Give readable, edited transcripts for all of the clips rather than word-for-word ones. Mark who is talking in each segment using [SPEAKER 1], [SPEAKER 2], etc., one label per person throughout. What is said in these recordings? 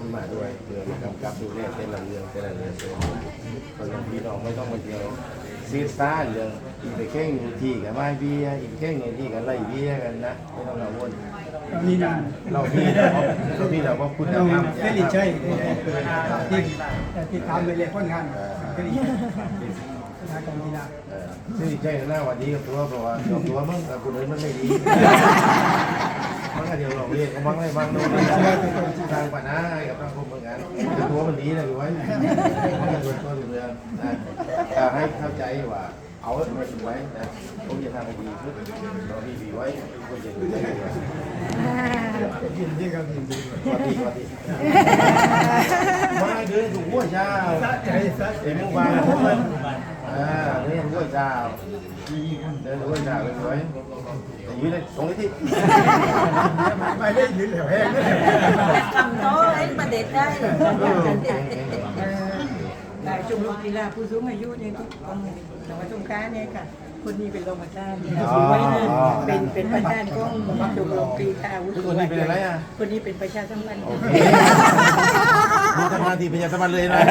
[SPEAKER 1] มาด้วยเพื่อกำกับดูแลแต่ละเรื่องคนพี่น้องไม่ต้องมาเดียวซีซ่าเรื่องอีกไปแข่งที่กับไม่เบี้ยอีกแข่งที่กับไล่เบี้ยกันนะไม่ต้องกังวล
[SPEAKER 2] นี่นะ
[SPEAKER 1] เราพี่เราก็คุณธรรม
[SPEAKER 2] เฟลิชัยที่ทำไปเลยค่อนข้างเฟลิชัยนะกองกีฬา
[SPEAKER 1] ซึ่งใช่หน้าวันนี้กับตัวเพราะว่าตัวมึงกับคนอื่นมันไม่ดีมันก็เดี๋ยวเราเรียกก็บ้างเลยบ้างโน่นทางปัญหากับทางคนเหมือนกันตัวมันดีนะอยู่ไว้มันก็ตัวเรือนะให้เข้าใจว่าเอาไว้ไว้นะผมจะทำให้ดีขึ้นเราดีไว้ก็จะดูได้ยินดีครับยินดีสวัสดีมาเดินถูกหัวเช้าเอ็มวางผมเลยเดินหัวเช้าเดินหัวเช้าเลยสวยแต่ยืนเลยตรงนี้ที่ไม่ได้ยืนเหลวแห้งเลย
[SPEAKER 3] ทำโต๊ะให้ประเด็ดได้ได้ชมรมกีฬาผู้สูงอายุเนี่ยที่กองจังหวัดสงขลาเนี่ยค่ะคนนี้เป็นรองประธานไว้เลยเป็นประธานของชมรมกีฬาผู้สูงอายุคนนี้เป็นประชาสัมพันธ์
[SPEAKER 1] มีทำงานที่ประชาสัมพันธ์เลยนะ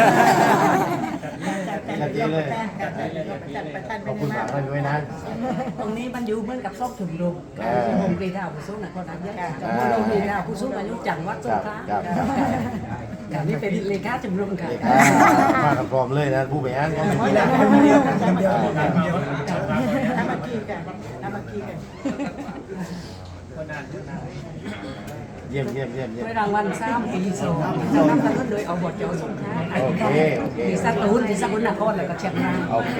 [SPEAKER 1] ชัดเจนเลยขอบคุณมากเลยด้วยนะ
[SPEAKER 3] ตรงนี้มันอยู่เหมือนกับซอกชมรมชมรมกีฬาผู้สูงอายุคนนั้นเนี่ยชมรมกีฬาผู้สูงอายุจังหวัดสงขลาค่ะนี่เป็นเลขาชมรมค่ะ
[SPEAKER 1] มากันพร้อมเลยนะผู้บริหารของ
[SPEAKER 2] กีฬาคนเดียวคนเดียว
[SPEAKER 3] น้ำมันกีกันน้ำมันกีกัน
[SPEAKER 1] เยี่ยม
[SPEAKER 3] ด้วยรางวัล3 ปี2นำกันโดยเอาบทเจ้าสงขลา
[SPEAKER 1] โอเค
[SPEAKER 3] ที่สกลนครแล้วก็เชียงราย
[SPEAKER 1] โอเค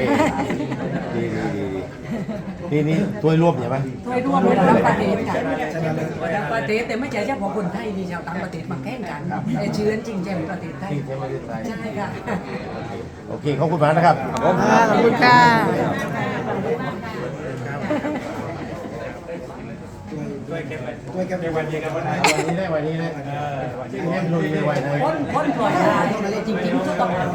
[SPEAKER 1] ดีนี่ถ้วยรวมใช่ไหม
[SPEAKER 3] ถ้วยร่วมระดับประเทศค่ะระดับประเทศแต่ไม่ใช่เฉพาะคนไทยมีชาวต่างประเทศมาแข่งกันแต่เชื้อจริงแจ่มประเทศไทย
[SPEAKER 1] ที่ใช้ประเทศไทย
[SPEAKER 3] ใช่ค่ะ
[SPEAKER 1] โอเคขอบคุณมากนะครับ
[SPEAKER 3] ขอบคุณค่ะ
[SPEAKER 2] ด้วยกันวันนี้กันวันไหน
[SPEAKER 1] วันนี้ได้วันนี้เลยให้มันลุยเลยวันไหน
[SPEAKER 3] คนปล่อยได้จริงๆทุกต้อง